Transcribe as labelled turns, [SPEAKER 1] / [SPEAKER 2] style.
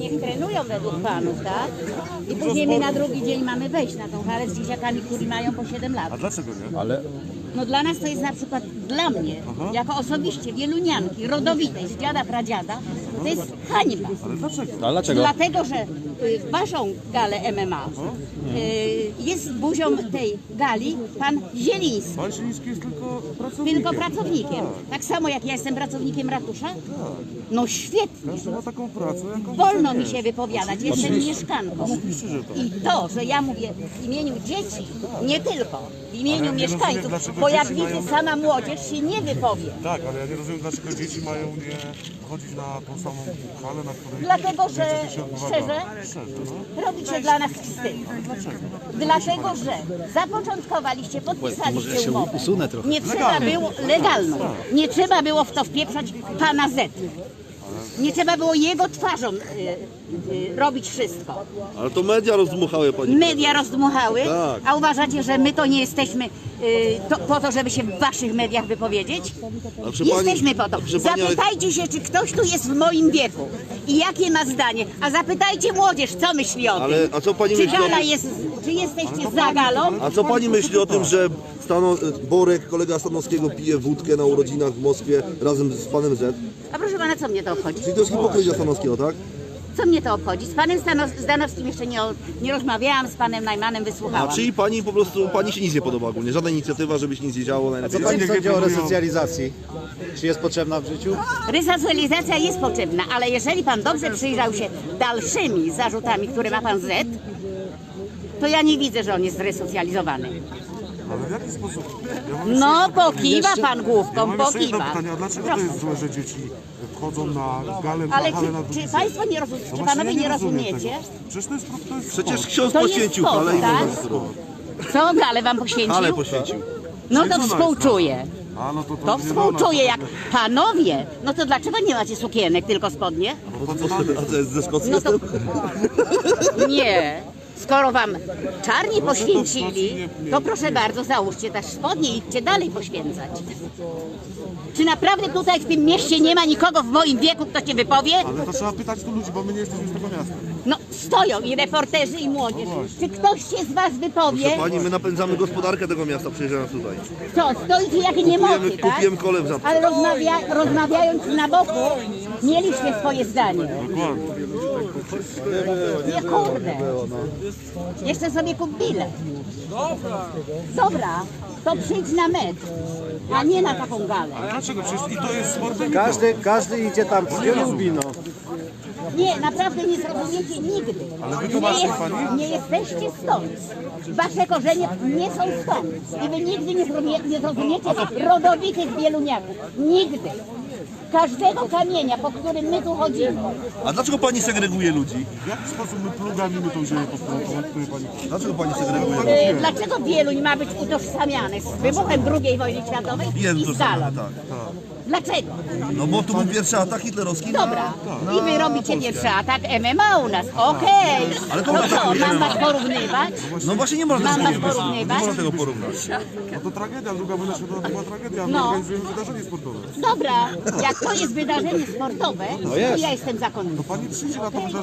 [SPEAKER 1] niech trenują według panów, tak? I później my na drugi dzień mamy wejść na tą halę z dzieciakami, którzy mają po 7 lat.
[SPEAKER 2] A dlaczego nie?
[SPEAKER 3] Ale
[SPEAKER 1] No dla nas to jest na przykład, dla mnie, jako osobiście wielunianki, rodowitej, z dziada, pradziada, to jest hańba.
[SPEAKER 2] Ale dlaczego?
[SPEAKER 3] a dlaczego?
[SPEAKER 1] Dlatego, że w waszą galę MMA jest buzią tej gali pan Zieliński.
[SPEAKER 2] Pan Zieliński jest tylko pracownikiem.
[SPEAKER 1] Tylko pracownikiem. Tak samo jak ja jestem pracownikiem ratusza? No świetnie.
[SPEAKER 2] Każdy ma taką pracę, jaką
[SPEAKER 1] Wolno
[SPEAKER 2] chce
[SPEAKER 1] mi
[SPEAKER 2] mieć.
[SPEAKER 1] się wypowiadać, jestem mieszkanką.
[SPEAKER 2] Oczywiście, że tak.
[SPEAKER 1] I to, że ja mówię w imieniu dzieci, nie tylko, w imieniu
[SPEAKER 2] Ale ja nie
[SPEAKER 1] mieszkańców,
[SPEAKER 2] rozumiem, dlaczego
[SPEAKER 1] bo jak
[SPEAKER 2] dzieci
[SPEAKER 1] widzę,
[SPEAKER 2] mają-
[SPEAKER 1] sama młodzież się nie wypowie.
[SPEAKER 2] Tak, ale ja nie rozumiem, dlaczego dzieci mają nie chodzić na tą samą halę, na której...
[SPEAKER 1] Dlatego, że
[SPEAKER 2] niestety się odbywa
[SPEAKER 1] szczerze,
[SPEAKER 2] gala. Szczerze, no.
[SPEAKER 1] robicie dla nas wstyd. Dlatego, że zapoczątkowaliście, podpisaliście umowę.
[SPEAKER 3] usunę trochę.
[SPEAKER 1] Nie trzeba było, legalną, nie trzeba było w to wpieprzać pana Z. Nie trzeba było jego twarzą robić wszystko.
[SPEAKER 4] Ale to media rozdmuchały pani.
[SPEAKER 1] Media rozdmuchały,
[SPEAKER 4] Tak.
[SPEAKER 1] a uważacie, że my to nie jesteśmy po to, żeby się w waszych mediach wypowiedzieć?
[SPEAKER 4] A proszę pani-
[SPEAKER 1] Jesteśmy po to.
[SPEAKER 4] proszę pani, ale-
[SPEAKER 1] Zapytajcie się, czy ktoś tu jest w moim wieku i jakie ma zdanie, a zapytajcie młodzież, co myśli o
[SPEAKER 4] Ale,
[SPEAKER 1] tym.
[SPEAKER 4] a co pani
[SPEAKER 1] Czy
[SPEAKER 4] myśli o
[SPEAKER 1] gala
[SPEAKER 4] tym?
[SPEAKER 1] jest, czy jesteście za galą?
[SPEAKER 4] A co pani myśli o tym, że Borek, kolega Stanowskiego, pije wódkę na urodzinach w Moskwie razem z panem Z?
[SPEAKER 1] A proszę pana, co mnie to obchodzi?
[SPEAKER 4] Czyli to jest hipokryzja Stanowskiego, tak?
[SPEAKER 1] Co mnie to obchodzi? Z panem Zdanowskim jeszcze nie rozmawiałam, z panem Najmanem
[SPEAKER 4] A
[SPEAKER 1] wysłuchałam.
[SPEAKER 4] czyli pani po prostu, pani się nic nie podoba ogólnie, żadna inicjatywa, żeby się nic nie działo,
[SPEAKER 3] Co
[SPEAKER 4] najlepiej.
[SPEAKER 3] pani
[SPEAKER 2] niech
[SPEAKER 3] sądzi o
[SPEAKER 2] wywołują-
[SPEAKER 3] resocjalizacji? Czy jest potrzebna w życiu?
[SPEAKER 1] Resocjalizacja jest potrzebna, ale jeżeli pan dobrze przyjrzał się dalszymi zarzutami, które ma pan Z, to ja nie widzę, że on jest zresocjalizowany.
[SPEAKER 2] Ale w jaki sposób? Ja mam
[SPEAKER 1] No,
[SPEAKER 2] jeszcze jedno
[SPEAKER 1] pokiwa
[SPEAKER 2] pytanie.
[SPEAKER 1] pan główką,
[SPEAKER 2] Ja mam jeszcze jedno
[SPEAKER 1] pokiwa.
[SPEAKER 2] pytanie, a dlaczego to
[SPEAKER 1] Proszę.
[SPEAKER 2] jest złe, że dzieci wchodzą na galę,
[SPEAKER 1] Ale
[SPEAKER 2] na halę na drugi
[SPEAKER 1] czy
[SPEAKER 2] dzień?
[SPEAKER 1] państwo nie rozumiecie,
[SPEAKER 2] No
[SPEAKER 1] czy
[SPEAKER 2] właśnie,
[SPEAKER 1] panowie
[SPEAKER 2] ja
[SPEAKER 1] nie
[SPEAKER 2] rozumiem
[SPEAKER 1] rozumiecie?
[SPEAKER 2] tego. Przecież to jest
[SPEAKER 4] Przecież
[SPEAKER 2] sport.
[SPEAKER 4] ksiądz
[SPEAKER 1] To jest
[SPEAKER 4] poświęcił
[SPEAKER 1] sport,
[SPEAKER 4] halę i
[SPEAKER 1] tak?
[SPEAKER 4] można sterować.
[SPEAKER 1] Co galę wam poświęcił?
[SPEAKER 4] Halę poświęcił.
[SPEAKER 1] No to
[SPEAKER 2] Święcona
[SPEAKER 1] współczuję.
[SPEAKER 2] jest, A, no to
[SPEAKER 1] To
[SPEAKER 2] nie
[SPEAKER 1] współczuję,
[SPEAKER 2] wolno.
[SPEAKER 1] jak panowie. No to dlaczego nie macie sukienek, tylko spodnie?
[SPEAKER 4] A co jest ze Szkocji?
[SPEAKER 1] No to nie. Skoro wam czarni poświęcili, to proszę bardzo, załóżcie też spodnie i idźcie dalej poświęcać. Czy naprawdę tutaj w tym mieście nie ma nikogo w moim wieku, kto się wypowie?
[SPEAKER 2] Ale to trzeba pytać tu ludzi, bo my nie jesteśmy z tego miasta.
[SPEAKER 1] No stoją i reporterzy i młodzież. Czy ktoś się z was wypowie?
[SPEAKER 4] Pani, my napędzamy gospodarkę tego miasta, przyjeżdżając tutaj.
[SPEAKER 1] Co, stoicie jak niemocy, tak?
[SPEAKER 4] Kupiłem kole w Żabce.
[SPEAKER 1] Ale rozmawiając na boku, mieliście swoje zdanie.
[SPEAKER 2] Dokładnie.
[SPEAKER 1] Nie kurde. Jeszcze sobie kup bilet. Dobra, to przyjdź na mecz, a nie na taką galę.
[SPEAKER 2] A dlaczego? Przecież i to jest sportem.
[SPEAKER 3] Każdy idzie tam, gdzie lubi, no.
[SPEAKER 1] Nie, naprawdę nie zrozumiecie nigdy.
[SPEAKER 2] Ale wytłumaczy pani?
[SPEAKER 1] Nie jesteście stąd. Wasze korzenie nie są stąd. I wy nigdy nie zrozumiecie rodowitych wieluniaków. Nigdy. Każdego kamienia, po którym my tu chodzimy.
[SPEAKER 4] A dlaczego pani segreguje ludzi?
[SPEAKER 2] W jaki sposób my plugamimy tą ziemię, po której pani...
[SPEAKER 4] Dlaczego pani segreguje?
[SPEAKER 1] Dlaczego Wieluń ma być utożsamiany z wybuchem II wojny światowej
[SPEAKER 4] Jest
[SPEAKER 1] i
[SPEAKER 4] to
[SPEAKER 1] z
[SPEAKER 4] samo,
[SPEAKER 1] galą?
[SPEAKER 4] tak.
[SPEAKER 1] Dlaczego?
[SPEAKER 4] No bo tu był pierwszy atak hitlerowski na...
[SPEAKER 1] Dobra. I wy robicie pierwszy atak MMA u nas. Okej.
[SPEAKER 4] Ale to
[SPEAKER 1] To
[SPEAKER 4] ma-
[SPEAKER 1] co, mam was porównywać?
[SPEAKER 4] No właśnie nie można
[SPEAKER 1] Mam
[SPEAKER 4] tego
[SPEAKER 1] was
[SPEAKER 4] porównać.
[SPEAKER 1] porównywać?
[SPEAKER 4] Nie można tego porównać.
[SPEAKER 2] No to tragedia, druga wojna światowa to była tragedia, a my
[SPEAKER 1] No.
[SPEAKER 2] organizujemy wydarzenie sportowe.
[SPEAKER 1] Dobra, jak to jest wydarzenie sportowe, to ja jestem zakonnicą.
[SPEAKER 2] Pani przyjdzie na to wydarzenie.